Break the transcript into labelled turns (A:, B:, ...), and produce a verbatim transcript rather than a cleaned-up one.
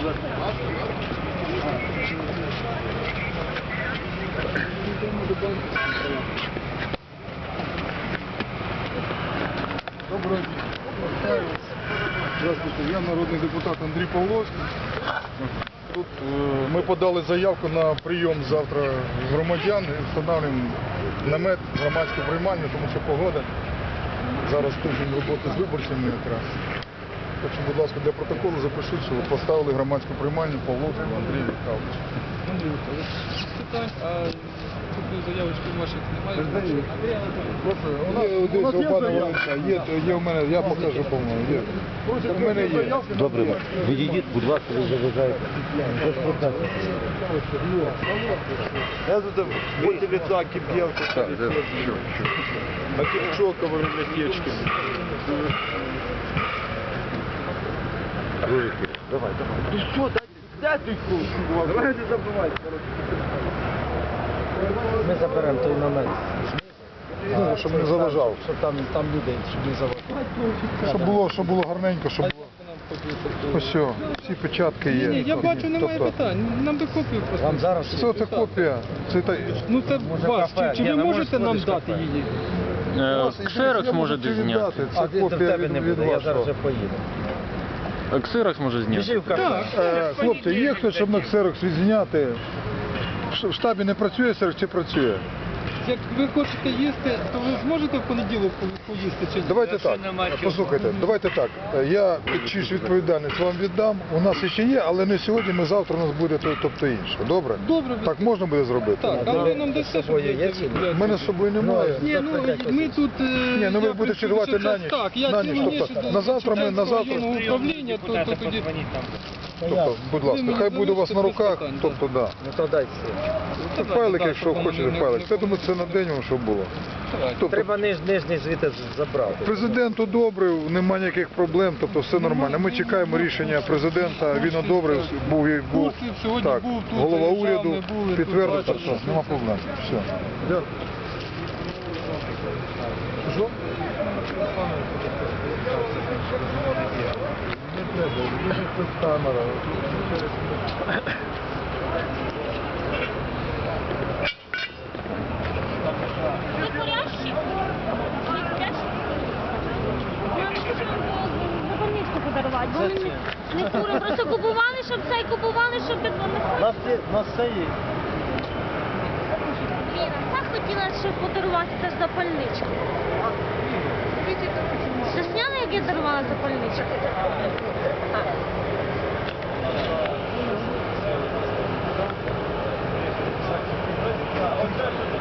A: Доброго дня. Здравствуйте, я народний депутат Андрій Павловський. Тут е, ми подали заявку на прийом завтра громадян і встановлюємо намет громадську приймальню, тому що погода. Зараз тиждень роботи з виборцями якраз. Так що, будь ласка, для протоколу запишіть, що ви поставили громадську приймальню Павловського Андрія Віталійовича.
B: Андрій Віталійович, питань, а тут заявочки ваших немає?
A: Є, у нас є заявка, є, є у мене, я покажу, по-моєму, є. У мене є.
C: Добре, відійдіть, будь ласка, ви заважаєте.
D: Я тут поте лица, кипелка. А кипчока в библиотечке.
C: Давай, давай.
D: Ну что, дай ты чувак. Давай не забывай, короче.
C: Ми заберемо той намет.
A: Ну, щоб не заважав.
C: Щоб там, там людей, щоб не заважав.
A: Щоб було, щоб було гарненько, щоб було. Ось все, всі печатки є.
B: Ні, я бачу, немає
A: Тобто,
B: питань. Нам би копію просто.
C: Вам зараз
A: Це це копія. Це та...
B: Ну це
C: Може,
B: вас.
C: кафе?
B: Чи, чи
C: Ні,
B: ви
C: не
B: можете
C: можеш
B: нам
C: сходиш в
B: дати
C: кафе.
B: її?
E: Ксерокс може десь зняти.
A: Це
C: А ти в
A: копія
C: тебе
A: від,
C: не
A: від
C: буде, я
A: вас.
C: зараз вже поїду.
E: Ксерокс може
C: Біжи
E: зняти.
C: в кафе.
A: Е, Хлопці, є хтось, щоб на ксерокс відзняти? В штабі не працює ксерокс чи працює?
B: Як ви хочете їсти, то ви зможете в понеділок по- поїсти чи ні?
A: Давайте так, послухайте, давайте так, я чиюсь відповідальність вам віддам, у нас ще є, але не сьогодні, ми завтра у нас буде то- тобто інше, добре?
B: Добре.
A: Так можна буде зробити?
B: Так, а ви нам дасте, щоб
C: собою
B: я...
C: є чи ні?
A: У мене з собою немає.
B: Ні, ну ми тут... е,
A: Ні, ну ви
B: я
A: будете чергувати
B: присутній
A: на
B: час.
A: ніч.
B: Так, я
A: На
B: цілу
A: ніч,
B: ніч
A: тобто
B: до
A: на завтра ми- на
B: Чеченського
A: завтра-
B: районного управління, то, то тоді...
A: Тобто, будь
B: Ви
A: ласка,
B: мені
A: хай буде у вас на
B: залишите без
A: руках,
B: питань,
A: тобто, да.
C: Ну то дайте.
A: Це файлик, якщо хочете файлик. Це, думаю, це на день, вам, щоб було. Тобто,
C: Треба ниж, нижній звідти забрати.
A: президент одобрив, немає ніяких проблем, тобто все нормально. Ми чекаємо рішення президента, він одобрив, був, і- був
B: Курсів сьогодні
A: так,
B: був, тут
A: голова
B: заїжджав,
A: уряду,
B: ми були, тут
A: підтвердив,
B: бачили.
A: так, що нема проблем. Все. Дякую. Що? Не треба, це камера.
F: Ви курящі? Ви курящі? Нам хотіли запальничку подарувати, бо ми не, не куримо. Просто купували, щоб це, і купували, щоб так не
C: Нас це, нас це є.
F: Віра, так хотіла, щоб подарувати теж запальничку. Ти зняла, як я дарувала запальничку?
D: Оце